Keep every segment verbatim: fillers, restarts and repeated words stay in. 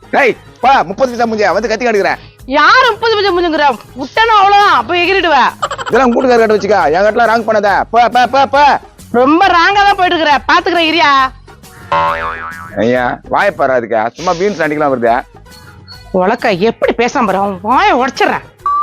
டேய் பா முப்பது பைசா முடிஞ்சா வந்து கத்தி காட்டுக்கிறேன். யாரு முப்பது பைசா முடிஞ்சுங்கிற விட்டனா அவ்வளவுதான் அப்ப எகிரிடுவ. இதெல்லாம் கூட்டுக்கார கட்ட வச்சுக்கா என் கட்டலாம் ராங் பண்ணாத. பா பா பா பா ரொம்ப ராங்கா தான் போயிட்டு இருக்கிற பாத்துக்கிறேன் இரியா. ஐயா வாய பாரு அதுக்கா சும்மா பீன்ஸ் அடிக்கலாம் வருது. உலக்க எப்படி பேசாம பாரு அவன் வாயை உடச்சிடறேன்.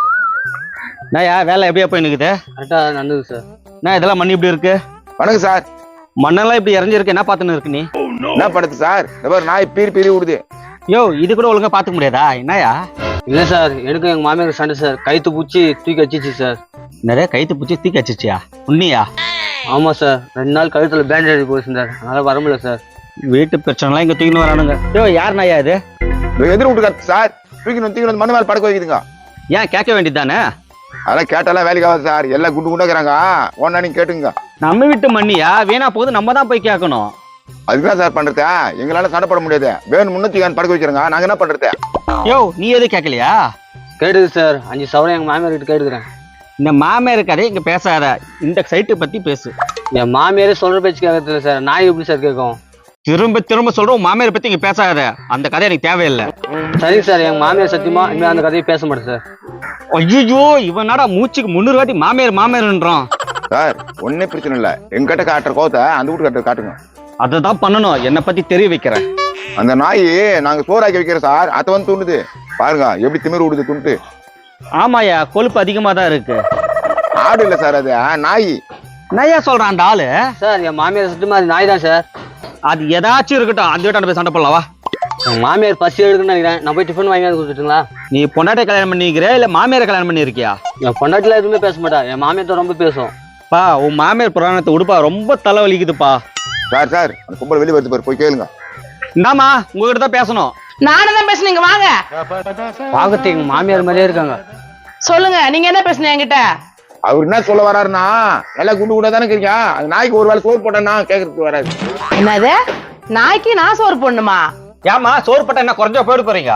நாயா வேலை எப்படியா போயினுக்குது? கரெக்டா நடந்தது சார். நான் இதெல்லாம் மண்ணி இப்படி இருக்கு? வணக்கம் சார். மண்ணெல்லாம் இப்படி இறஞ்சிருக்கு, என்ன பாத்துன்னு இருக்கு நீ? என்ன படுத்து சார்? நாய் பீரி பீரி விடுது. யோ இது கூட ஒழுங்கா பாத்துக்க முடியாதா? என்னயா? இல்ல சார், எனக்கு எங்க மாமியாருக்கு சண்டை சார். கைத்து பூச்சி தூக்கி வச்சிச்சு சார். நிறைய கைத்து பூச்சி தூக்கி வச்சிச்சியா? உண்மையா? ஆமா சார், ரெண்டு நாள் கழுத்துல பேண்டேஜ் போச்சு சார், அதனால வர முடியல சார். வீட்டு பிரச்சனைலாம் இங்க தூக்கின்னு வரானுங்க. யோ யார் நாயா இது? எதிர் விட்டு கத்து சார். தூக்கின்னு தூக்கின்னு மண்ணு மேல படுக்க வைக்குதுங்க. ஏன் கேட்க வேண்டியதானே? அதெல்லாம் கேட்டாலாம் வேலைக்கு ஆகாது சார். எல்லாம் குண்டு குண்டாக்குறாங்க. ஒன்னா நீங்க கேட்டுங்க. நம்ம வீட்டு மண்ணியா வீணா போகுது, நம்ம தான் போய் கேட்கணும். அதுதான் சார் பண்றது. எங்களால சண்டை போட முடியாது. வேணும் முன்னூத்தி படுக்க வைக்கிறாங்க. நாங்க என்ன பண்றது? யோ நீ எது கேட்கலையா? கேட்டுது சார், அஞ்சு சவரம் எங்க மாமியார் கிட்ட கேட்டுக்கிறேன். இந்த மாமியார் கதை இங்க பேசாத, இந்த சைட்டு பத்தி பேசு. என் மாமியாரே சொல்ற பேச்சு கேட்கறதில்ல சார், நான் எப்படி சார் கேட்கும்? திரும்ப திரும்ப சொல்றோம் மாமியார் பத்தி இங்க பேசாத. அந்த கதை எனக்கு தேவையில்லை. சரிங்க சார், எங்க மாமியார் சத்தியமா இனிமே அந்த கதையை பேச மாட்டேன் சார். ஐயோ இவனாடா மூச்சுக்கு முன்னூறு வாட்டி மாமியார் மாமியார்ன்றான். சார் ஒன்னே பிரச்சனை இல்ல. எங்கிட்ட காட்டுற கோத்தை அந்த வீட்டு காட்டுற காட்டுங்க. அததான் பண்ணணும். என்னை பத்தி தெரிய வைக்கிறேன். அந்த நாய் நாங்க சோறாக்கி வைக்கிறோம் சார். அத வந்து தூண்டுது பாருங்க, எப்படி திமிரு விடுது துண்டு. ஆமாயா கொழுப்பு அதிகமா தான் இருக்கு. ஆடு இல்ல சார், அது நாய். நையா சொல்றான் அந்த ஆளு. சார் என் மாமியார் சத்தியமா அது நாய் தான் சார். அது ஏதாச்சும் இருக்கட்டும், அந்த வீட்டாண்ட போய் சண்டை போடலாவா? என் மாமியார் பசி எடுக்குன்னு நினைக்கிறேன். நான் போய் டிஃபன் வாங்கி கொடுத்துட்டுங்களா? நீ பொண்டாட்டை கல்யாணம் பண்ணிக்கிறியா இல்ல மாமியாரை கல்யாணம் பண்ணி இருக்கியா? என் பொண்டாட்டில எதுவுமே பேச மாட்டா, என் மாமியார் தான் ரொம்ப பேசும். பா உன் மாமியார் புராணத்தை உடுப்பா, ரொம்ப தலை வலிக்குதுப்பா. சார் சார் அந்த கும்பல் வெளியே வருது பாரு, போய் கேளுங்க. இந்தாமா உங்ககிட்ட தான் பேசணும். நானும் தான் பேசுனீங்க வாங்க. பாக்கத்து எங்க மாமியார் மாதிரியே இருக்காங்க. சொல்லுங்க நீங்க என்ன பேசுனீங்க என்கிட்ட? அவர் என்ன சொல்ல வராருன்னா, எல்லாம் குண்டு குண்டா தானே இருக்கீங்க. அந்த நாய்க்கு ஒரு வேலை சோறு போட்டேன்னா கேட்கறதுக்கு வராது. என்னது நாய்க்கு நான் சோறு போடணுமா? ஏமா சோறு பட்டா என்ன குறைஞ்சா போயிட்டு போறீங்க?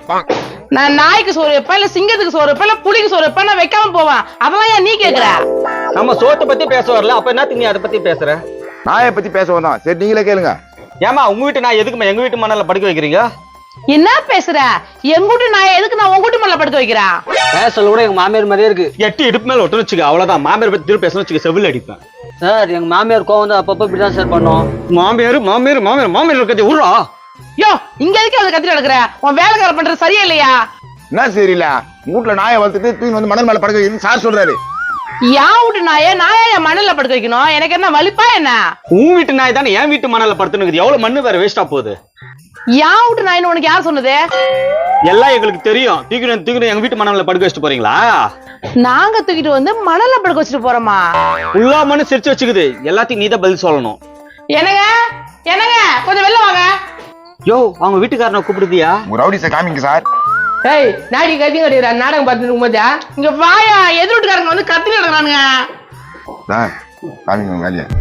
நான் நாய்க்கு சோறு வைப்பேன் இல்ல சிங்கத்துக்கு சோறு வைப்பேன் இல்ல புலிக்கு சோறு வைப்பேன், நான் வைக்காம போவேன். அதெல்லாம் ஏன் நீ கேக்குற? நம்ம சோத்தை பத்தி பேச வரல, அப்ப என்ன நீ அதை பத்தி பேசுற? நாயை பத்தி பேச வந்தோம். சரி நீங்களே கேளுங்க. ஏமா உங்க வீட்டு நான் எதுக்குமா எங்க வீட்டு மணல படுக்க வைக்கிறீங்க? என்ன பேசுற? எங்கூட்டு நாயை எதுக்கு நான் உங்க வீட்டு மேல படுக்க வைக்கிறேன்? பேசல கூட எங்க மாமியார் மாதிரியே இருக்கு. எட்டு இடுப்பு மேல ஒட்டு வச்சுக்க, அவ்வளவுதான். மாமியார் பத்தி திரும்ப பேசணும் வச்சுக்க, செவில் அடிப்பேன். சார் எங்க மாமியார் கோவம் வந்து அப்பப்ப இப்படிதான் சார் பண்ணோம். மாமியார் மாமியார் மாமியார் மாமியார் இருக்கிறது ஊரா? யோ இங்க எதுக்கு அதை கத்திட்டு நடக்குற? உன் வேலைக்கார பண்றது சரியா இல்லையா? என்ன சரியில்ல? வீட்டுல நாயை வளர்த்துட்டு தூக்கி வந்து மணல் மேல படுக்க வைக்கணும்னு சார் சொல்றாரு. யா வீட்டு நாயை நாயா என் மணல்ல படுக்க வைக்கணும்? எனக்கு என்ன வலிப்பா என்ன? உன் வீட்டு நாய் தானே என் வீட்டு மணல படுத்துனுக்குது. எவ்வளவு மண்ணு வேற வேஸ்டா போகுது. யா வீட்டு நாயின்னு உனக்கு யார் சொன்னது? எல்லாம் எங்களுக்கு தெரியும். தூக்கிட்டு தூக்கிட்டு எங்க வீட்டு மணல படுக்க வச்சுட்டு போறீங்களா? நாங்க தூக்கிட்டு வந்து மணல்ல படுக்க வச்சுட்டு போறோமா? உள்ளா மண்ணு சிரிச்சு வச்சுக்குது. எல்லாத்தையும் நீதான் பதில் சொல்லணும். என்னங்க என்னங்க கொஞ்சம் வெளில வாங்க. யோ அவங்க வீட்டுக்காரனை கூப்பிடுதியா? உங்க ரவுடிஸை காமிங்க சார். ஏய் நாடி கத்தி கட்டிடுற நாடகம் பார்த்துட்டு இருக்கும்போது இங்க வாயா, எதிர் வீட்டுக்காரங்க வந்து கத்தி நடக்கிறானுங்க. சார் காமிங்க உங்க வேலையை.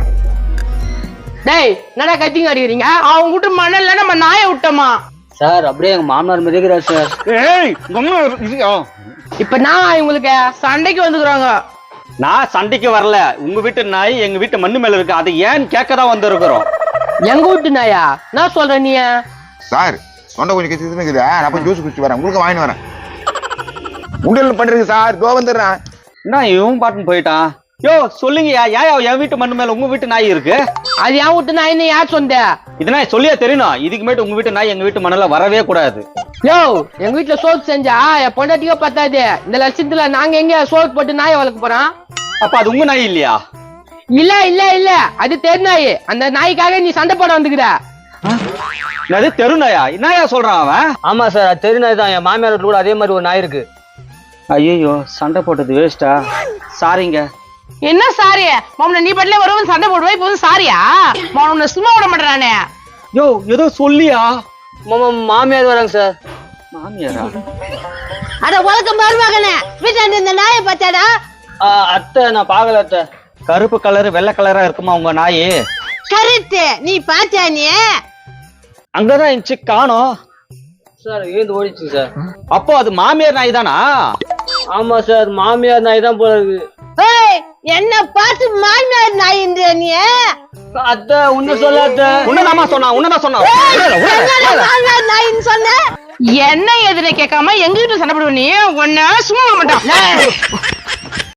டேய் என்னடா கத்திங்க அடிக்கிறீங்க? அவங்க வீட்டு மணல்ல நம்ம நாயை விட்டோமா? சார் அப்படியே எங்க மாமனார் மாதிரியே இருக்கிறார் சார். ஏய் கம்மா இருக்கியா? இப்ப நான் இவங்களுக்கு சண்டைக்கு வந்துக்கிறாங்க. நான் சண்டைக்கு வரல. உங்க வீட்டு நாய் எங்க வீட்டு மண்ணு மேல இருக்கு, அதை ஏன் கேட்கதான் வந்திருக்கிறோம். எங்க வீட்டு நாயா? நான் சொல்றேன் நீ சார் சொன்ன கொஞ்சம் கெச்சு இருக்குது. நான் போய் ஜூஸ் குடிச்சு வரேன், உங்களுக்கு வாங்கிட்டு வரேன். உண்டல் பண்றீங்க சார், தோ வந்துடுறேன். என்ன இவன் பாட்டுன்னு போயிட்டான். யோ சொல்லுங்கயா, ஏன் என் வீட்டு மண்ணு மேல உங்க வீட்டு நாய் இருக்கு? அது என் வீட்டு நாயின்னு யார் சொந்த? இதனா சொல்லியா தெரியணும். இதுக்கு மேட்டு உங்க வீட்டு நாய் எங்க வீட்டு மணல வரவே கூடாது. யோ எங்க வீட்டுல சோறு செஞ்சா என் பொண்டாட்டியோ பத்தாது. இந்த லட்சத்துல நாங்க எங்க சோறு போட்டு நாயை வளர்க்க போறோம்? அப்ப அது உங்க நாய் இல்லையா? இல்ல இல்ல இல்ல அது தெரு நாய். அந்த நாய்க்காக நீ சண்டை போட வந்துக்கிற. அது தெரு நாயா? என்னயா சொல்றான் அவன்? ஆமா சார், அது தெரு நாய் தான். என் மாமியார் வீட்டுல கூட அதே மாதிரி ஒரு நாய் இருக்கு. ஐயோ சண்டை போட்டது வேஸ்டா. சாரிங்க. என்ன சாரி? மாமன நீ பட்ல வருவன் சண்டை போடுவா, இப்போ வந்து சாரியா? மாமன சும்மா விட மாட்டறானே. யோ ஏதோ சொல்லியா? மாமா மாமியார் வராங்க சார். மாமியாரா? அட உலக மருமகனே, வீட்டாண்ட இந்த நாயை பார்த்தாடா? அத்தை நான் பாக்கல அத்தை. கருப்பு கலர் வெள்ளை கலரா இருக்குமா உங்க நாய்? கரெக்ட், நீ பாத்தியா? நீ அங்கதான் இருந்துச்சு, காணோம் சார். ஏந்து ஓடிச்சு சார். அப்போ அது மாமியார் நாய் தானா? ஆமா சார், மாமியார் நாய் தான் போல இருக்கு. ஏய் என்ன பார்த்து மாமியார் நாயின்ற நீ? அத்தை உன்ன சொல்ல அத்தை. உன்னதாமா சொன்னா உன்னதான் சொன்னா. மாமியார் நாயின்னு சொன்ன? என்ன எதுன்னு கேட்காம எங்க வீட்டுல சண்டை போடுவ நீ உன்ன சும்மா மாட்டான்